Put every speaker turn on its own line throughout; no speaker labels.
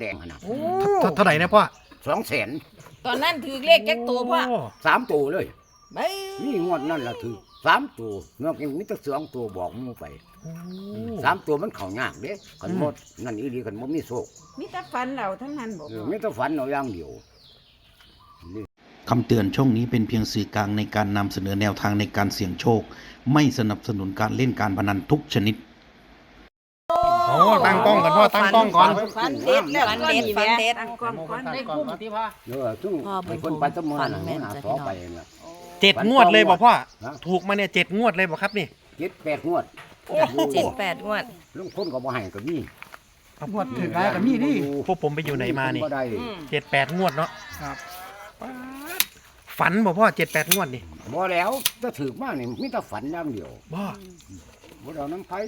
แดงนะ
โอ้เท่าไหร่นะพ่อ
200,000
ตอนนั้นถือเลขแจ็คตัวพ่อ
3 ตัวเลย
ไม่
นี่งวดนั่นล่ะถือ3 ตัวนอกจากมีแต่2 ตัวบอกมูไป3 ตัวมันเข้ายากเด้คันหมดนั่นอีหลีคันบ่มีโชค
มีแต่ฝันเราทั้งนั้นบอก
มีแต่ฝันเอาอย่างเดียว
คำเตือนช่องนี้เป็นเพียงสื่อกลางในการนำเสนอแนวทางในการเสี่ยงโชค ไม่สนับสนุนการเล่นการพนันทุกชนิด
โอ้ตั้งกล้องก่อนพ่อตั้งกล้องก่อน
ฟันเด็ดแล้วฟันเด็ดฟันเด็ด
ตั้งกล้องก่อน
ได้คุ้มที่พ่อ
ซึ่งไอ้คนไปตะมื้อน่ะหาสอไปน่ะ
7 งวดเลยบอกพ่อ
ฮะ
ถูกมาเนี่ย7 งวดเลยบอกครับนี่
7-8 งวด
7-8 งวด
ลุงคนก็บ่ให้ก็มี
งวดถึงแล้วก็มีดิ
พวกผมไปอยู่ไหนมานี่
บ่ได้
7-8 งวดเนาะ
ครับ
ฝันบอกพ่อ7-8 งวดนี่
บ่แล้วถ้าถึกมานี่มีแต่ฝันอย่างเดียว
บ่
บ่ได้เอาน้ำไผ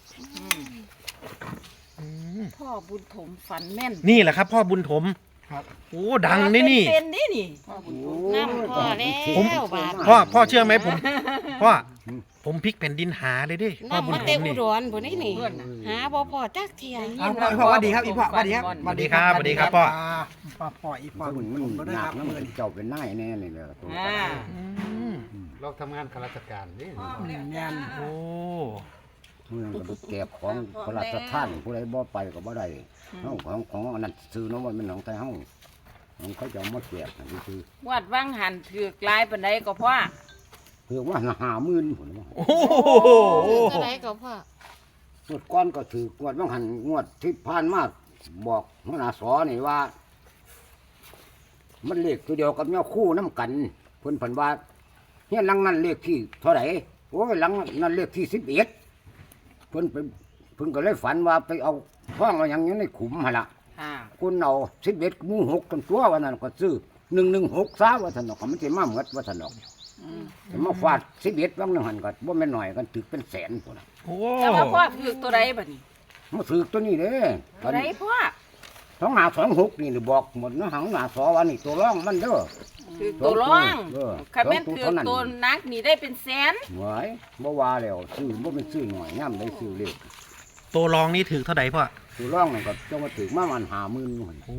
พ่อบุญถมฝันแม่น
นี่แหละครับพ่อบุญถม
ครับ
โอ้ดังนี่นี่
เป็นนี่นี่
น้ำ
น้ำพ่อแล้ว บาท
พ่อเชื่อไหมผมพลิกแผ่นดินหาเลยดิพ่อบุญ
มา
ถ
เตะ
ม
อุ
นี่
ดรพุ่นนี่นี่หาบ่พอจักเที่ย
เอาพ่ออีพ่อสวัสดีครับอีพ่อสวัสดีครับ
สวัสดีครับสวัสดีครับพ่อ
พ่ออีพ่อ
มัน
ผมก็ได้
หนั
ค
ก
รับ
นะมันเจ้าเป็นนายแน่นี่แหละตัว
อ่า
เราทำงานข้าราชการนี่
งาน
โอ้
เมืองก็ไปแก็บของพระราชทานผู้ใดบ่ไปก็บ่ได้เฮาของอันนั้นซื้อเนาะมันเป็นของไทยเฮาของเขาจะเอามาแจกนั่นคือ
วัดวังหันถือกลายปานใดก็พ่อ
คือว่า50,000พุ่นว่า
โอ้โห
เท่าไหร่ก็พ่อง
วดก่อนก็ถืองวดบางหันงวดที่ผ่านมาบอกหัวหน้าสอนี่ว่า มันเลขตัวเดียวกับเงาคู่น้ำกันเพิ่นเพิ่นว่าเฮียนหลังนั้นเลขที่เท่าไหร่โอ้ยหลังนั้นเลขที่11เพิ่นไปเพิ่นก็เลยฝันว่าไปเอาท้องเอาหยังอยู่ในขุมหั่นล่ะ
อ่า
คนเอา11หมู่6กันตัววันนั้นก็ซื้อ116ซะว่าซั่นดอกก็มันสิมาหมดว่าซั่นดอกแต่มาฟาด11บางนึงหั่นก็บ่แม่นน้อยกันถึกเป็นแสนพุ่นน่ะ
โอ้
แต่ว่าพ่อถือกตัวใดบัดนี้
มาถือตัวนี้เด้
ตัวใดพ่อ
2526นี่บอกหมดนะหังหน้าสอว่านี่ตัวร่องมันเด้อ
ถือกตัวร่อง
เออ
คันแม่นถือกตัวนักนี่ได้เป็นแสน
หวยบ่ว่าแล้วซื้อบ่เป็นซื้อหน่อยย่ำได้ซื้อเลข
ตัวรองนี่ถือเท่าไหร่พ่อ
ตัวร่องนั่นก็จะมาถึงมามัน50,000นู่น
โอ้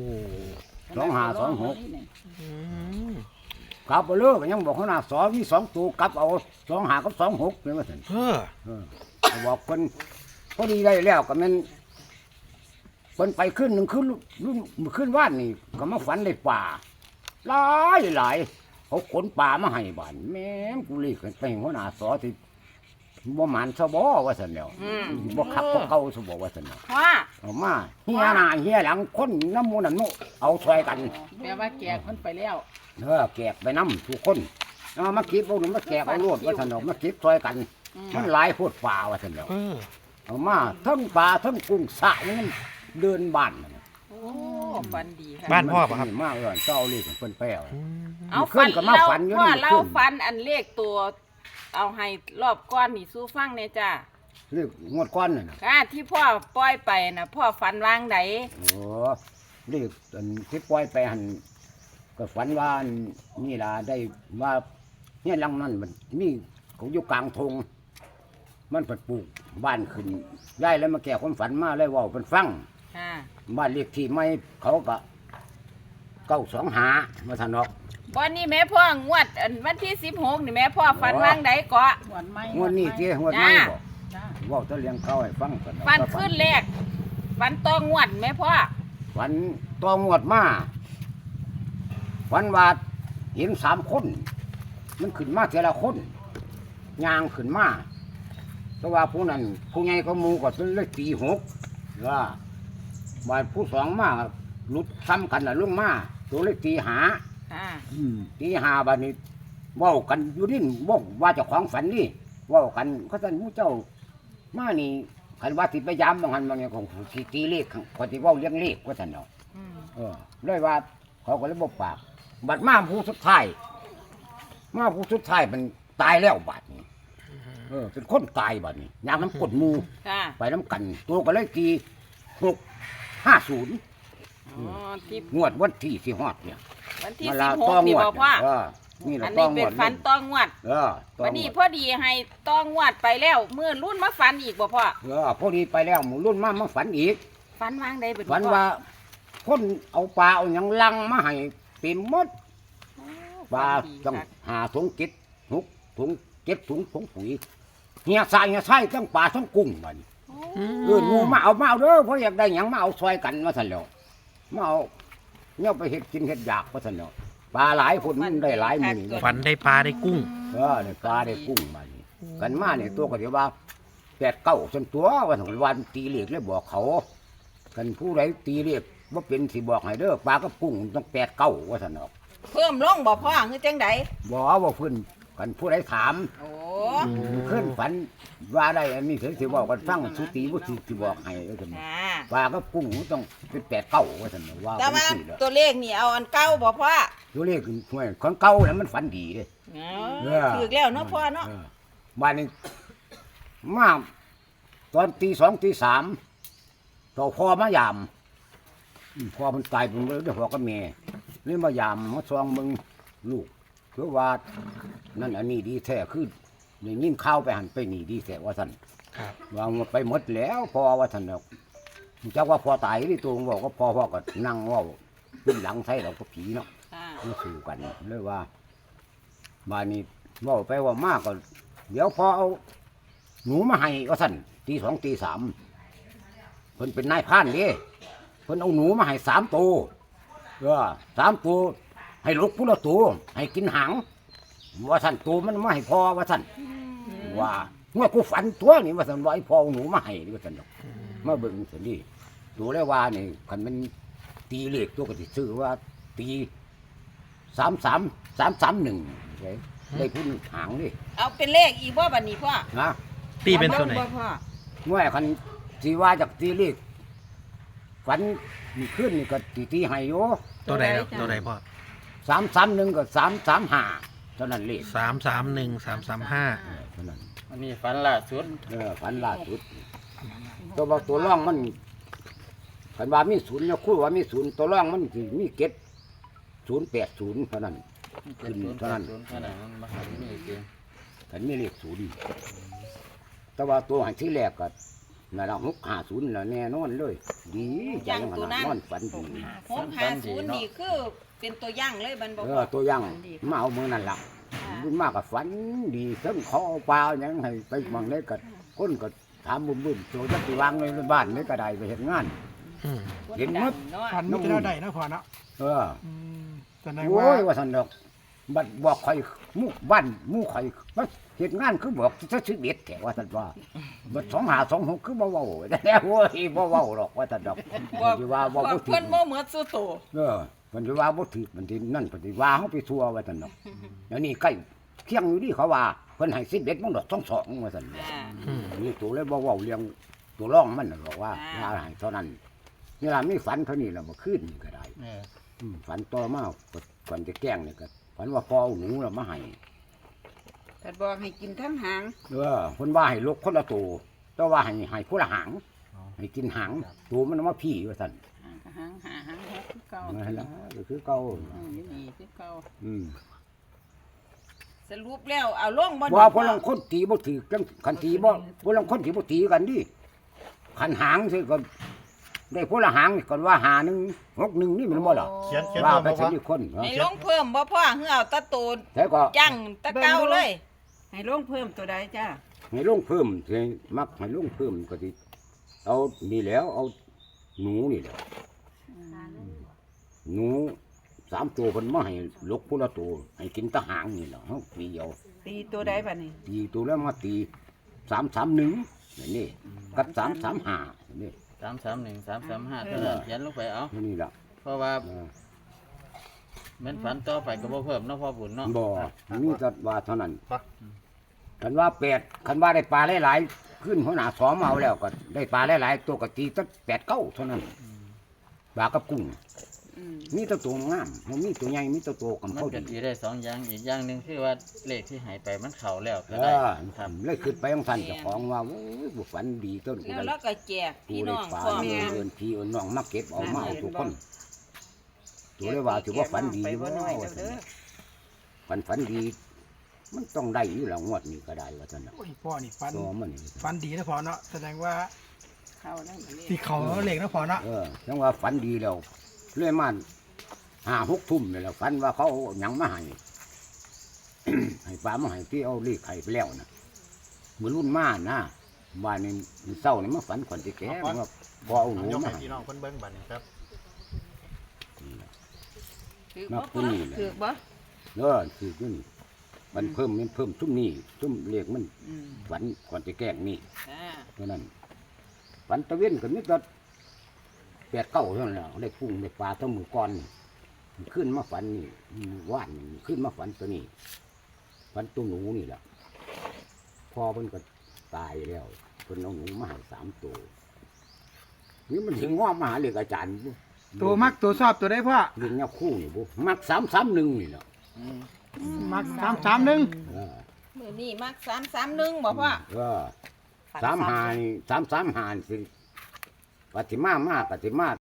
2526
อืม
กลับบ่เลิกยังบอกเขาหน้าสอมี2ตัวกลับเอา25กับ26นี่ว่าซั่น
เออ
ก็บอกเพิ่นพอดีได้แล้วก็แม่นเพิ่นไปขึ้นหนึงขึ้นว่านนี่ก็มาฝันได้ป่าหลายเขาขนป่ามาให้บ้านแม่งกูเลยไปหัวหน้าสอที่บ่หมานซะบ่ว่าซั่นแล้วบ่คักบ่เก่าซะบ่ว่าซั่นน่ะ
พ่อ
เอามาเฮียหน้าเฮียหลังคนน้ำหมูนั่นนุเอาช่วยกัน
แปลว่าแกมันไปแล้ว
แกกไปน้ำทุกคนเอามาเก็บเอาหนูมาแกกเอาโลดว่าซั่นดอกมาเก็บช่วยกันมันหลายโพดป่าว่าซั่นแล้ว
เออ
เอามาทั้งปลาทั้งกุ้งสระนี่มันเดินบ้านนั่นน่ะ
โอ้ฝันดีค่ะ
บ้านพ่อป่ะครับ
มาเจ้าเลยของเพิ่นแป้ว
เอา
ขึ้
ฟั
น
น
ก็มา
เล่า
ฝันอยู่
พ่อ
นี่
เล่า
ขึ้น
ฟันอันเลขตัว เอาให้รอบก้อนนี่สู้ฟังเนี่ยจ้า
เรียกงวดก้อนน่ะนะ
ค่ะที่พ่อปล่อยไปนะพ่อฝันวางไหน
โอ้เรียกอันที่ปล่อยไปหันก็ฝันว่าอันนี่ล่ะได้ว่าเนี่ยหลังนั้นมันมีเขาอยู่กลางทงมันเปิดปลูกบ้านขึ้นย้ายแล้วมาแก่ความฝันมาเลยเว่าเป็นฟัง
ค่ะ
บ้านเลขที่ไม่เขาก็925มาถนอก
บอนนี้แม่พ่องวดอันวันที่16นี่แม่พ่อฝันวางไหนเกาะ
งวดนี้เจ้งวดไม่บอกเว่าจะเลี้ยงเขาให้ฟังกัน
ฝันขึ้นแรกฝันตองวดแม่พ่อ
ฝันตัวงวดมาฝันว่าเห็น3 คน มันขึ้นมาแต่ละคนยางขึ้นมาแต่ว่าผู้นั้นผู้ใหญ่ก็มูก็เป็นเลขตี6ว่าบาดผู้สองมาหลุดซ้ำกันน่ะลงมาตัวเลขตี5
ค่ะ
ตี5บาดนี้เว้ากันอยู่ดินบ่ว่าเจ้าของฝันนี่เว้ากันเขาท่านผู้เจ้ามานี่คันว่าสิไปยามบางหันบางอย่างของสิตีเลขเขาสิเว้าเรื่องเลขว่าซั่นเนาะ
อืม
เลยว่าเขาก็เลยบอกปากบัดมาผู้สุดท้ายมันตายแล้วบัดนี้เป็นคนตายบัดนี้ยางน้ำกดหมู
ค่ะ
ไปน้ำกัน ตัวก็เลยตี650
อ๋อที่
งวดวันที่สิฮอดเนี่ย
วันที่
มาลา
16นี่บ่พ่อ
นี่
อั
ละ
น
ต้
นี้
อง
เป็นฝันตองวด
ต้อ
วั
ง
นนี้
วด
พอดีให้ตองวดไปแล้วเมื่อรุ่นมาฝันอีกบ่พ่อ
พอดีไปแล้วหมู่รุ่นมาฝันอีก
ฝันวางใดเป็น
ฝันว่าคนเอาปลาเอาหยังลังมาให้เต็มหมดปลาต้องหาถุงเก็ด6ถุง7ถุงผงปุ๋ยเฮียใส่ทั้งปลาทั้งกุ้งบัดนี้งูมาเอาเด้อเพราะอยากได้หยังมาเอาซอยกันว่าซั่นแล้วมาเอาเนี่ยไปเฮ็ดกินเฮ็ดอยากว่าซั่นแล้วปลาหลายคนมันได้หลายมื้อนี่
ฝันได้ปลาได้กุ้ง
ได้ปลาได้กุ้งมานี่กันมาเนี่ยตัวก็เดี๋ยวว่า8 9จนตัวว่าซั่นวันตีเลขเลยบอกเขากันผู้ใดตีเลขบ่เป็นสิบอกให้เด้อปลากับกุ้งต้อง8 9ว่าซั่นเนาะ
เพิ่มลงบ่พ่อคือจังได
บ่ว่าเพิ่นกันผู้ใดถาม
โอ้
ขึ้นฝันว่าได้อันนี้สิบอกกันฟังสุติบ่สิบอกให้ว่าซั่น
อ่า
ปลากับกุ้งต้องเป็น8 9ว่าซั่นเนาะว่า
แต่
เป็น
ว่า
สิแล้ว
ตัวเลขนี่เอาอันเก่าบ่พ่อ
ตัวเลขห่วยของเก่าแล้วมันฝันดีเด้
อ๋อถูกแล้วเนาะพ่อเนาะ
บ้านนี้มาตอนตี 2 ตี 3ต่อพ่อมายามพ่อมันตายไปเลยเดี๋ยวพ่อกับแม่นี่มายามมาซองมึงลูกคือว่านั่นอันนี้ดีแท้คือได้ยินข่าวไปหันไปนี่ดีแท้ว่าซั่น
ครับ
วางไปหมดแล้วพ่อว่าซั่นดอกจักว่าพ่อตายนี่ตัวบอกว่าพ่อก็นั่งเว้าขึ้นหลังใส่เราก็ผีเนาะ
ค่ะ
มาสู่กันเลยว่าบ้านนี้เว่าไปว่ามากก็เดี๋ยวพอเอาหนูมาให้ก็สั่นตี 2 ตี 3เพิ่นเป็นนายพรานเด้เพิ่นเอาหนูมาให้3 ตัว3 ตัวให้ลูกผู้ละตัวให้กินหางว่าสั่นตัวมันมาให้พ่อว่าสั่นว่าเมื่อกูฝันตัวนี่ว่าสั่นว่าไอ้พ่อเอาหนูมาให้ว่าสั่นดอกมาเบิ่งสั่นดิตัวเลยว่านี่คันมันตีเลขตัวก็สิซื้อว่าตี33331ได้พุ่นหางดิ
เอาเป็นเลขอีกบ่บัดนี้พ่อ
นะ
ตีเป็นตัวไหน
บ่พ่อ
เมื่อคันสิว่าจากตีเลขฝันมีขึ้นนี่ก็ตีให้โย
ตัวไหนครับตัวไหนพ่อ
331ก็335เท่านั้นเลข
331
เท่านั้น
อันนี้ฝันล่าสุด
ฝันล่าสุดตัวบอกตัวร่องมันคันว่ามีศูนย์เนี่ยคู่ว่ามีศูนย์ตัวร่องมันสิมีเก็ด080เท่านั้นขึ้นเท่านั้น
เท่านั้นมันมาหาที่นี่จริง
ฉันไม่เรียกศูนย์แต่ว่าตัวหันที่แรกก็นั่นละ650แล้วแน่นอนเลย ดีใจขนาดนอนฝันดี
650นี่คือเป็นตัวอย่างเลยบันบ่พ่อ
ตัวอยังมาเอามือนั่นละบุญมากกับฝันดีทั้งเขาเอาปลาอย่างให้ไปบางได้ก็คนก็ถามบุ้มๆตัวจะไปวางในบ้านนี่ก็ได้ไปเห็นงาน
อืม
เห็นหมด
เนาะ
ฝันมีแต่เราได้นะพ่อเนาะ แสดง
โอ้
ว่าย
ว่าสันดอกบัดบอกใครมู่บ้านมู่ใครมาเหตุงานคือบอกจะชีวิตแถว่าสันว่าบัด2526คือบ่เว้าแต่โอ้ยบ่เว้าหรอกว่าสันดอก
บอก
สิว่าบ่
บอก
ถึ
เพิ่
ง
นบ่เหมือนสุโต
มันสิว่าบ่ถึกมันสินั่นเพิ่นสิว่าเฮาไปทั่วว่าสันดอกแล้วนี่ใกล้เที่ยงอยู่นี่เขาว่าเพิ่นให้11มันดอก22ว่าสัน
อ่า
นี่ตัวเลยบ่เว้าเรื่องตัวร่องมันน่ะบอกว่าให้เท่านั้นนี่ล่ะมีฝันเท่านี้ล่ะบ่คืนนี่ก็ได้ ฝันต่อมาฝันจะแกล้งเนี่ยก็ฝันว่าพ่อเอาหนูเรามาให้
แต่บอกให้กินทั้งหาง
คนว่าให้ลกคนละตัวแต่ว่าให้ผู้ละหางให้กินหางตัวมันเอามาพี่ว่าสั่น
หางคือเก่า
นั่นแหละก็คือเก่า
นี่คือเก่า
อืม
สรุปแล้วเอาลงบ่
ว่าพลังคนตีบ่ถือกันคันตีบ่พลังคนตีบ่ตีกันดิคันหางสิก็ได้ผู้ละหางก่อนว่าหา1 6 1นี่มันบ่ล่ะ
เขียน
ว่า
มา
ไป
บอก
สิ
ว่า
มีคน
ให้ลงเพิ่มบ่พ่อเฮือเอาตะโตน
แต่ก็
จังตะเก่าเลย
ให้ลงเพิ่มตัวใดจ้า
ให้ลงเพิ่มสิมักให้ลงเพิ่มก็สิเอานี่แล้วเอาหนูนี่แหละหนู3 ตัวเพิ่นมาให้ลกผู้ละตัวให้กินแตะหางนี่แหละเฮาปีเดียว
ตีตัวใดบัดนี้
ตีตัวแล้วมาตี331นี่กับ335นี่
331 335เท่านั้นเขียนลงไปเอา
นี่ล่ะ
เพราะว่าเหมือนฝันต่อไปก็บ่เพิ่มเนาะพ่อบุญเนาะ
บ่มีแต่ว่าเท่านั้นคันว่า8คันว่าได้ปลาหลายๆขึ้นหัวหน้าสอมาเอาแล้วก็ได้ปลาหลายๆตัวก็ตีตั้ง8 9เท่านั้นปลากับกุ้งมีแต่ตัวงามบ่มีตัวใหญ่มีแต่ตัวกำ
มัน
เข้า
ก็
ดี
สิได้2อย่างอีกอย่างหนึงคือว่าเลขที่หายไปมันเข้าแล้วก็
เอ
ได้
อ
ครับ
เลยขึ้นไปของท่านเจ้าของว่าโอ้ยบุฝันดีต้นกู
แล้ว
ได้
เราก็แจก
กู
พี่
ได้
น้อง
ปลา
พร้อม
เอินพี่เอินน้องมาเก็บเอามาเอาทุกคนตัวเลยว่าถือว่าฝันดี
ไป
อยู่
บ่
ว่า
น้อยเด้อ
ฝันดี มันต้องได้อยู่แล้วงวดนี้ก็ได้ว่าท่านน่ะ
โอ้ยพ่อนี่ฝัน
ตัวมันนี่
ฝันดีนะพ่อเนาะแสดงว่า
เข้าได้บ่เลย
ที่เขาเหล็กนะพ่อเนาะ
จังว่าฝันดีแล้วเรื่อยมา5-6 ทุ่มนี่แหละฝันว่าเขาเอาหยังมาให้ ให้ปลามาให้ที่เอาลีกไข่ไปแล้วนะมือรุ่นมานะบ้านนี้มือเศร้านี่มาฝันขวัญจะแก่ว่าพอเอาหนู
ยก
มา
ให้
ให้
พี่น้องเพิ่นเบิ่งบัดนี้ครับ
ถือ
มา
บ่
ผู้นี้แหละ
ถือบ่
คือขึ้นมันเพิ่มซุ้มนี่ซุ้มเรียกมัน
อืม
ฝันก่อนจะแกล้งนี่
อ่า
เพราะนั้นฝันตะเวนก็มีแต่8-9เท่านั้นแหละได้กุ้งได้ปลาเท่ามือก้อนนี่มันขึ้นมาฝันนี่ว่านนี่ขึ้นมาฝันตัวนี้ฝันตัวหนูนี่แหละพอเพิ่นก็ตายแล้วเพิ่นเอาหนูมาให้3 ตัวนี่มันถึงง้อมาหาเรียกอาจารย์บ่
ตัวมักตัวชอบตัวได้พ่อ
เรียกแนวคู่นี่บ่มัก331นี่แหละ
มัก331
เออ
มื้อนี้มัก331บ่พ่อ
35นี่335สิปฏิมาปฏิมา